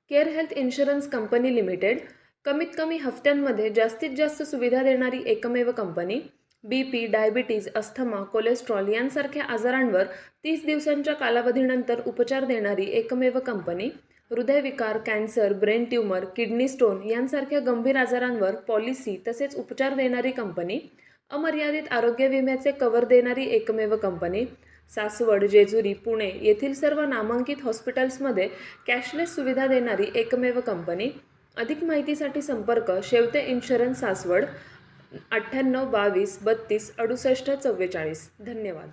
Care health insurance company limited कमीत कमी हफ्त्यांमध्ये जास्तीत जास्त सुविधा देणारी एकमेव company. BP, diabetes, asthma, cholesterol यांसारख्या आजारांवर 30 दिवसांच्या कालावधीनंतर उपचार देणारी एकमेव कंपनी. हृदयविकार, cancer, brain tumour, kidney stone यांसारख्या गंभीर आजारांवर पॉलिसी तसेच उपचार देणारी कंपनी. अमर्यादित आरोग्य विम्याचे कव्हर देणारी एकमेव कंपनी. सासवड, जेजुरी, पुणे येथील सर्व नामांकित हॉस्पिटल्समध्ये कॅशलेस सुविधा देणारी एकमेव कंपनी. अधिक माहितीसाठी संपर्क शेवते इन्शुरन्स, सासवड, 98 22 32 68 44. धन्यवाद.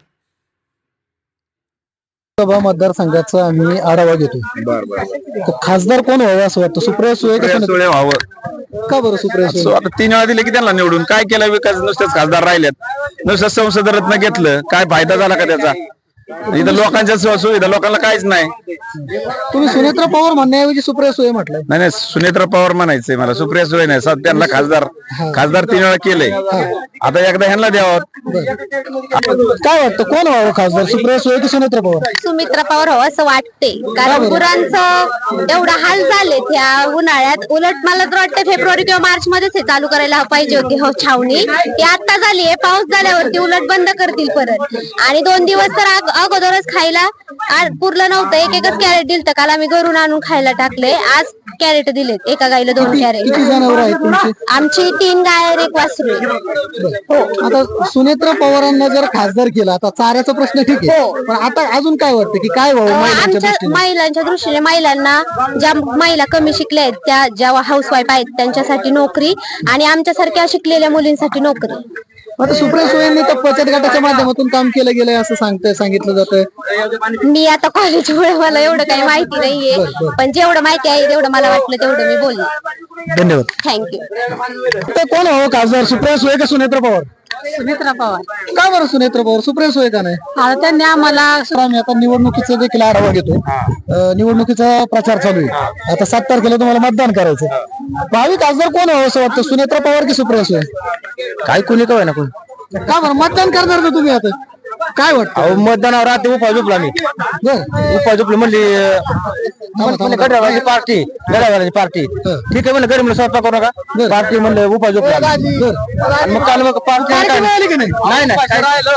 लोकसभा मतदारसंघाचा आम्ही आढावा घेतो. तर खासदार कोण व्हावं असं वाटतं? सुप्रिया सुळे का सुळे व्हावं. का बरं सुप्रिया सुळे? आता 3 वेळा दिले की त्यांना निवडून काय केलं विकास? नुसतेच खासदार राहिलेत. नुसतं संसद रत्न घेतलं, काय फायदा झाला का त्याचा? इथं लोकांच्या सुविधा लोकांना काहीच नाही. तुम्ही सुनेत्रा पवार म्हणण्याऐवजी सुप्रिया सुळे म्हटलंय. नाही नाही, सुनेत्रा पवार म्हणायचंय मला, सुप्रिया सुळे नाही. त्यांना खासदार 3 वेळा केलंय, आता एकदा ह्यांना द्यावं. काय वाटतं कोण व्हावं खासदार, सुप्रिया सुळे की सुनेत्रा पवार? सुमित्रा पवार हो असं वाटते, कारण गुरांचं एवढा हाल झालेत ह्या उन्हाळ्यात. उलट मला तर वाटतं फेब्रुवारी किंवा मार्च मध्येच हे चालू करायला पाहिजे होती हो छावणी. ती आता झाली आहे, पाऊस झाल्यावरती उलट बंद करतील परत. आणि 2 दिवस तर अगोदरच खायला पुरलं नव्हतं. एकच कॅरेट दिलं, काल आम्ही घरून आणून खायला टाकले. आज कॅरेट दिलेत, एका गाईला 2 कॅरेट. किती जनावर आहेत तुमची? आमची 3 गाय आणि 1 वासरू आहे. आता सुनेत्रा पवारांना जर खासदार केला, आता चाऱ्याचा प्रश्न ठीक आहे, पण आता अजून काय वाटतं की काय व्हावं आमच्या महिलांच्या दृष्टीने? महिलांना, ज्या महिला कमी शिकल्या आहेत, त्या ज्या हाऊसवाईफ आहेत त्यांच्यासाठी नोकरी, आणि आमच्यासारख्या शिकलेल्या मुलींसाठी नोकरी. आता सुप्रिया सुळेंनी तर बचत गटाच्या माध्यमातून काम केलं गेलंय असं सांगितलं जातं. मी आता कॉलेजमुळे मला एवढं काही माहिती नाहीये, पण जेवढं माहिती आहे तेवढं मला वाटलं तेवढं मी बोलले. धन्यवाद. थँक्यू. तर कोण व्हावं खासदार, सुप्रिया सुळे का सुनेत्रा पवार? सुमित्रा पवार. का बरं सुनेत्रा पवार, सुप्रिया सुळे का नाही? त्यांनी आम्हाला आम्ही आता निवडणुकीचा देखील आढावा घेतो. निवडणुकीचा प्रचार चालू आहे. आता 7 तारखेला तुम्हाला मतदान करायचं. भावी खासदार कोण व्हावं असं वाटतं, सुनेत्रा पवार की सुप्रिया सुळे? काय कोणी काय ना कोण. का बरं मतदान करणार ना तुम्ही? आता काय वाटतं? मतदानावर राहते उपाय झोपला मी. उपाय झोपली म्हणली गडवाची पार्टी, पार्टी ठीक आहे म्हणलं. गरीब म्हणलं स्वयंपाक करू नका, पार्टी म्हणलं उपाय झोपला. मग काल मग पार्टी मिळाली की नाही? नाही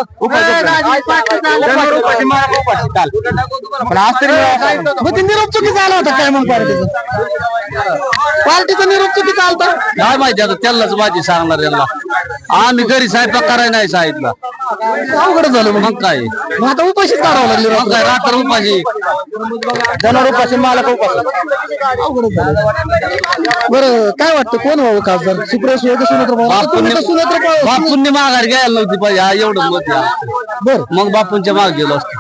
काल, पण आज तरी मग ते निरोप चुकीचा आला होता काय मग पार्टीचा निरोप चुकीचा आलता? काय माहिती, आता त्यालाच माझी सांगणार यांना. आम्ही घरी स्वयंपाक करायला नाही सांगितलं. अवघड झालं मग काय, मग आता उपाशीच काढावं लागले. मग काय रात्र उपाशी, जनावर उपाशी, मालक उपाशी. अवघड झालं. बरं काय वाटतं कोण व्हावं खासदार, सुप्रिया सुळे का सुनेत्रा पवार? आता तुम्ही तर सुनेत्रा पवार. बापूंनी माघार घ्यायला नव्हती पाहिजे, हा एवढं मत आहे. बरं मग बापूंच्या मागे गेलो असतो.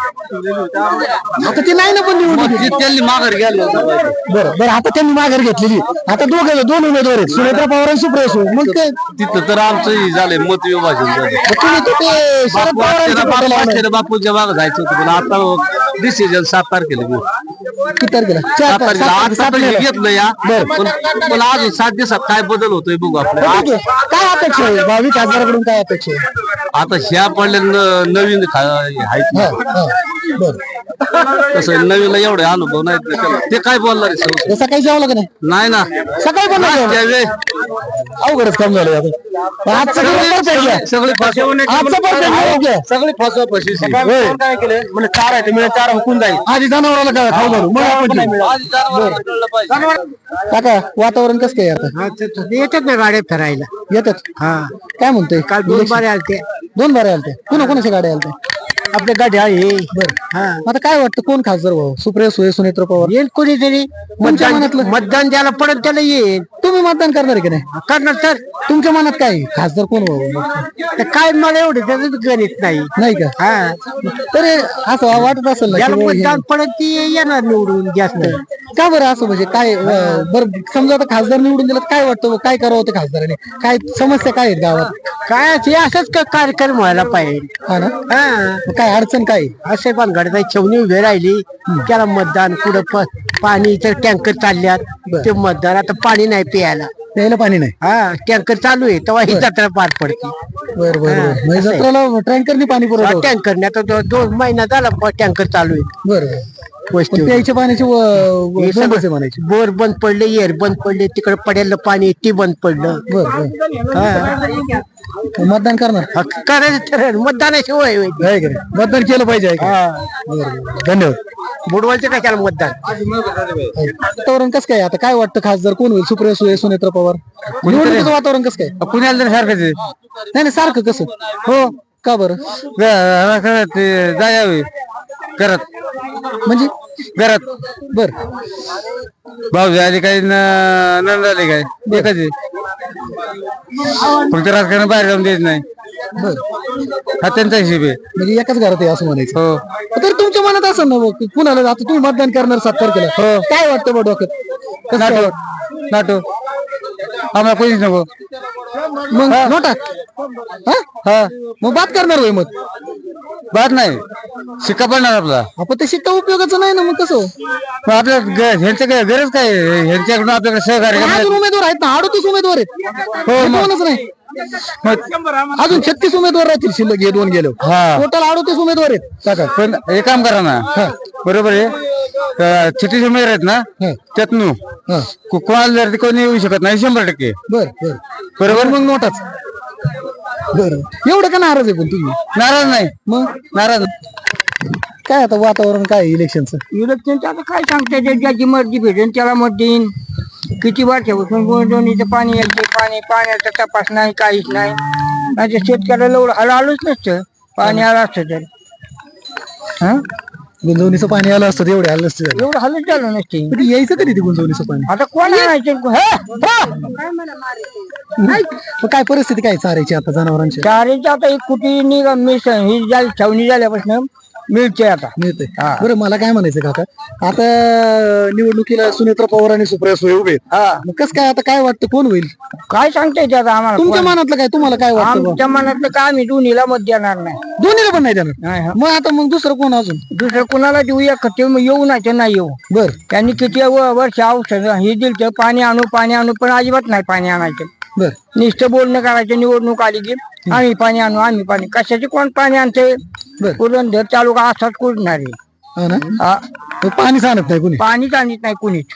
आता ती नाही ना पण निवडून. त्यांनी माघार घ्यायला नव्हतं. बरं आता त्यांनी माघार घेतलेली. आता 2 उमेदवार आहेत, सुनेत्रा पवार आणि सुप्रिया सुळे. मग काय तिथं तर आमचं झालंय मत विभाजन झालं. तुम्ही तर ते शरद पवारांच्या पाठीला आहे. बापूंच्या मागे जायचं होतं, पण आता डिसिजन 7 तारखेला घेऊ. किती तारखेला? 7 तारखेला. आता तर घेतलं या, पण अजून 7 दिवसात काय बदल होतोय बघू आपल्याला. ठीक आहे. काय अपेक्षा आहे भावी खासदाराकडून, काय अपेक्षा आहे? आता ह्या पडल्या नवीन आहेत ना, बरं तसं नवीनला एवढे अनुभव नाही, ते काय बोलणार आहे? सकाळी जेवलं का नाही? नाही ना, सकाळी पण नाही जेवलं? अवघडच काम झालं आता. आजचं दिवस perfect आहे. सगळे आजचं perfect आहे. सगळे फसवा फशी काय केलं म्हणजे 4 आहे, मिळेल 4 हुकून जाईल. आधी जनावराला काय खाऊ घालू, मग आपण जेवू. काका वातावरण कसं काय आता? येतात ना गाड्या फिरायला. येतात. हा, काय म्हणतोय? काल 2 बारे आलते. 2 बारे आलते. कोणाच्या गाड्या आलत्या? आपल्या गाडी आहे. बरं. आता काय वाटतं कोण खासदार व्हावं, सुप्रिया सुळे, सुनेत्रा पवार? येईल कोणीतरी. तुमच्या मनातलं? मतदान द्यायला पडत त्याला येईल. तुम्ही मतदान करणार आहे की नाही? करणार तर. तुमच्या मनात काय आहे? खासदार कोण व्हावं? तर काय मला एवढं त्याचं गणित नाही. नाही का? हा, तरी असं वाटत असेल ना ज्याला की मतदान पडत ती येणार निवडून जास्त. का बरं असं, म्हणजे काय बरं समजा आता खासदार निवडून दिलं, काय वाटतं काय करावं होतं खासदाराने? काय समस्या काय आहेत गावात? काय ते असंच कार्यक्रम व्हायला पाहिजे. हा ना? हा, मग काय अडचण काय? असे पण घडत छेवणी उभी राहिली, त्याला मतदान कुठं पाणीचे टँकर चालल्यात, ते मतदान आता पाणी नाही प्यायला. प्यायला पाणी नाही? हा, टँकर चालू आहे तेव्हा ही जत्रा पार पडते. बरं म्हणजे जत्रेला टँकरनी पाणी पुरवठा होतो? टँकरने आता 2 महिना झाला टँकर चालू आहे. बरं वस्तीवर. प्यायच्या पाण्याची बंदच आहे म्हणायची. बोर बंद पडले, एअर बंद पडले, तिकडे पडेल पाणी ते बंद पडलं. हा. मतदान करणार करायचं ठरेल, मतदानाशिवाय होय. आहे का नाही? मतदान केलं पाहिजे आहे का? बरं. धन्यवाद. बुडवायचं कशाला मतदान. वातावरण कसं काय आता काय वाटतं खासदार कोण होईल? सुप्रिया सुळे, सुनेत्रा पवार? निवडणुकीचं वातावरण कसं काय? पुण्याला तर सारखंच आहे. नाही सारखं कसं हो का बरं? जायावे घरात म्हणजे घरात बर भाऊ आले काय नंद आले काय एकच आहे. फक्त राजकारण बाहेर जाऊन देत नाही. बर हा त्यांचा हिशेब आहे. म्हणजे एकाच घरात आहे असं म्हणायचं. हो तर तुमच्या मनात असं ना की कुणाला आता तुम्ही मतदान करणार 7 तारखेला काय वाटतं बा डोक्यात? कसं काय नाटो नाटो आम्हाला कोणीच नको. मग नोटा हा मग बात करणार होय मत बात नाही शिक्का पडणार आपला. आपण ते शिक्का उपयोगाचं नाही ना मग कसं? मग आपल्या ह्यांचं काय गरज काय ह्यांच्याकडून आपल्याकडे सहकार्य पण करण्यात. अजून उमेदवार आहेत ना 38 उमेदवार आहेत. हो, मग. कोणच नाही अजून 36 उमेदवार राहतील शिल्लक हे 2 गेलो. हा टोटल 38 उमेदवार आहेत काका. पण हे काम करा ना बरोबर आहे. चिठ्ठी उमेदवार आहेत ना त्यातनं हा कोणाला जर ते कोणी येऊ शकत नाही 100%. बर बर बरोबर मग नोटाच बर एवढं का नाराज आहे पण तुम्ही? नाराज नाही मग नाराज काय आता वातावरण काय इलेक्शनचं? इलेक्शनचं आता काय सांगता येईल, ज्याची मर्जी भेटेल त्याला मत देईन. किती वर्षापासून गुंतवणुकीचं पाणी यायचे, पाण्याचा तपास नाही, काहीच नाही. म्हणजे शेतकऱ्याला एवढं आलोच नसतं पाणी आलं असतं तर. हा गुंजवणीचं पाणी आलं असतं एवढे आलं नसतं. एवढं हालच झालं नसते. पण यायचं कधी ते गुंजवणीचं पाणी? आता कोण आणायचं? मग काय परिस्थिती काय चारायची आता जनावरांची? चारीची आता एक कुठे निघा मिस ही झाली छावणी झाल्यापासून मिळते आता. मिळते. बरं मला काय म्हणायचं काका आता निवडणुकीला सुनेत्रा पवार आणि सुप्रिया सुळे उभे आहेत. हा मग कसं काय आता काय वाटतं कोण होईल? काय सांगता येते आता आम्हाला? तुमच्या मनातलं काय तुम्हाला काय वाटतं बा? आमच्या मनातलं काय आम्ही दोन्हीला मत देणार नाही. दोन्हीला पण नाही देणार. नाही, हा. मग आता मग दुसरं कोण अजून? दुसरं कुणाला देऊया का ते येऊ नाही तर नाही येऊ. बर त्यांनी किती वर्ष औषध हे दिलं तर पाणी आणू पण अजिबात नाही पाणी आणायचं. बर नुसतं बोलणं करायचं निवडणूक आली की आम्ही पाणी आम्ही पाणी कशाचे कोण पाणी आणते? बर पुरंदर तालुका असाच कुठणार आहे. हा ना हा, मग पाणीच आणत नाही कुणी. पाणीच आणत नाही कुणीच.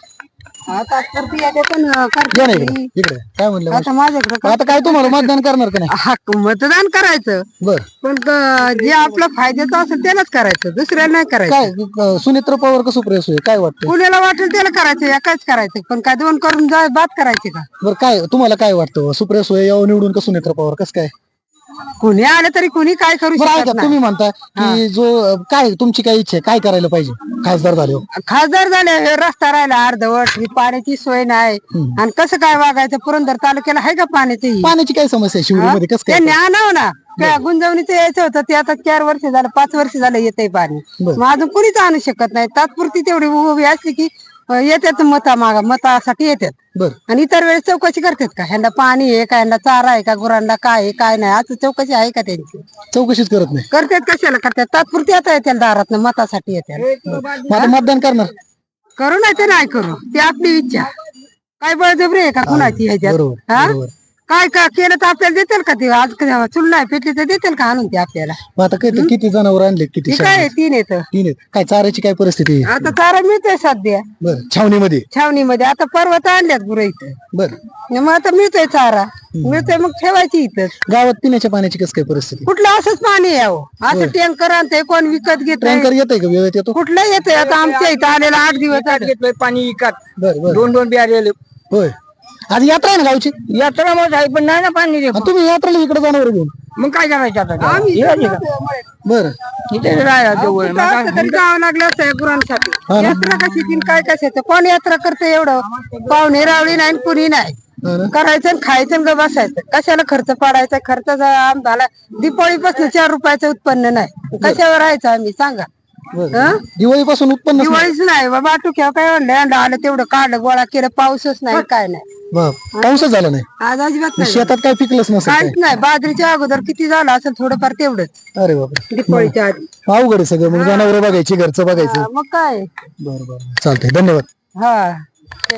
या ना इकडे काय म्हणलं आता माझ्याकडे आता काय तुम्हाला मतदान करणार का नाही? मतदान करायचं बर पण जे आपलं फायद्याचं असेल त्यालाच करायचं, दुसऱ्याला नाही करायचं. काय सुनेत्रा पवार का सुप्रिया सुळे काय वाटतं? कुणाला वाटेल त्याला करायचं, एकाच करायचं. पण काय 2 करून बात करायची का? बरं काय तुम्हाला काय वाटतं सुप्रिया सुळे यावं निवडून का सुनेत्रा पवार कसं काय? कुणी आलं तरी कुणी काय करू बरं शकत ऐका नाही. तुम्ही म्हणता की जो काय तुमची काय इच्छा आहे काय करायला पाहिजे खासदार झाल्यावर? खासदार झाले हे रस्ता राहिला अर्धवट, ही पाण्याची सोय नाही. आणि कसं काय वागायचं? पुरंदर तालुक्याला आहे का पाण्याची? पाण्याची काय समस्या आहे शिवडीमध्ये कसं काय? त्यांनी आणावं ना. त्या गुंजवणीचं यायचं होतं ते आता 4 वर्ष झालं 5 वर्ष झालं येतंय पाणी. बरं. मग अजून कुणीच आणू शकत नाही. तात्पुरती तेवढी उभी असली की येतात मतासाठी येतात. बर आणि इतर वेळेस चौकशी करतात का ह्यांना पाणी आहे का, ह्यांना चारा आहे का, गुरांना काय आहे काय नाही, असं चौकशी आहे का त्यांची? चौकशीच करत नाही. करतात कशाला करतात? तात्पुरती आता येतात दारात मतासाठी येतात. मग आता मतदान करणार? करू नाही तर नाही करू, ती आपली इच्छा. काय बळजबरी आहे का कुणाची ह्याच्यात? बरोबर हा बरोबर. काय का केलं तर आपल्याला देतील का ते? आज चुल नाही पेटली तर देतील का आणून ते आपल्याला? मग आता काय किती जनावर आणले किती? ती काय 3 येतं. 3 आहेत. काय चाऱ्याची काय परिस्थिती आहे? आता चारा मिळतोय सध्या बर छावणीमध्ये. छावणीमध्ये. आता पर्वत आणल्यात गुरं इथं, बर मग आता मिळतोय चारा मिळतोय, मग ठेवायची इथं. गावात पिण्याच्या पाण्याची कसं काय परिस्थिती? कुठलं असंच पाणी यावं असं टँकर आणतंय कोण विकत घेत टँकर येतंय का वेळेत येतो? कुठलं येतंय? आता आमच्या इथं आलेला 8 दिवस झाले. घेतलंय पाणी विकत बर बर 2 बियारे. होय आज यात्रा आहे ना गावची? यात्रा मग आहे पण नाही ना पाणी रे. आणि तुम्ही यात्रेला इकडे जाणार घेऊन? मग काय करायचं आता? बर इथे राहायला जवळ. मग असं तरी जावं लागलं असतं या गुरांसाठी. हा ना? यात्रा कशी तीन काय कशाचं? कोण यात्रा करते एवढं? पाहुणे रावळी नाही आणि कुणी नाही. हा ना? करायचं आणि खायचं आणि गं बसायचं. कशाला खर्च पाडायचा? खर्च झाला दिवाळीपासून 4 रुपयाचं उत्पन्न नाही, कशावर राहायचं आम्ही सांगा? बर दिवाळीपासून उत्पन्न दिवाळीच नाही बाबा, टुक्या काय आणलं आलं तेवढं काढलं गोळा केलं, पाऊसच नाही काय नाही. पाऊसच झाला नाही. आज अजिबात नाही, शेतात काय पिकलंच नसेल काय? काहीच नाही. बाजरीच्या अगोदर किती झालं असेल थोडंफार तेवढंच अरे बाबा दिवाळीच्या आधी. अवघड आहे सगळं. मग जनावर बघायची घरचं बघायचं. मग काय बरं बरं चालतंय धन्यवाद. हा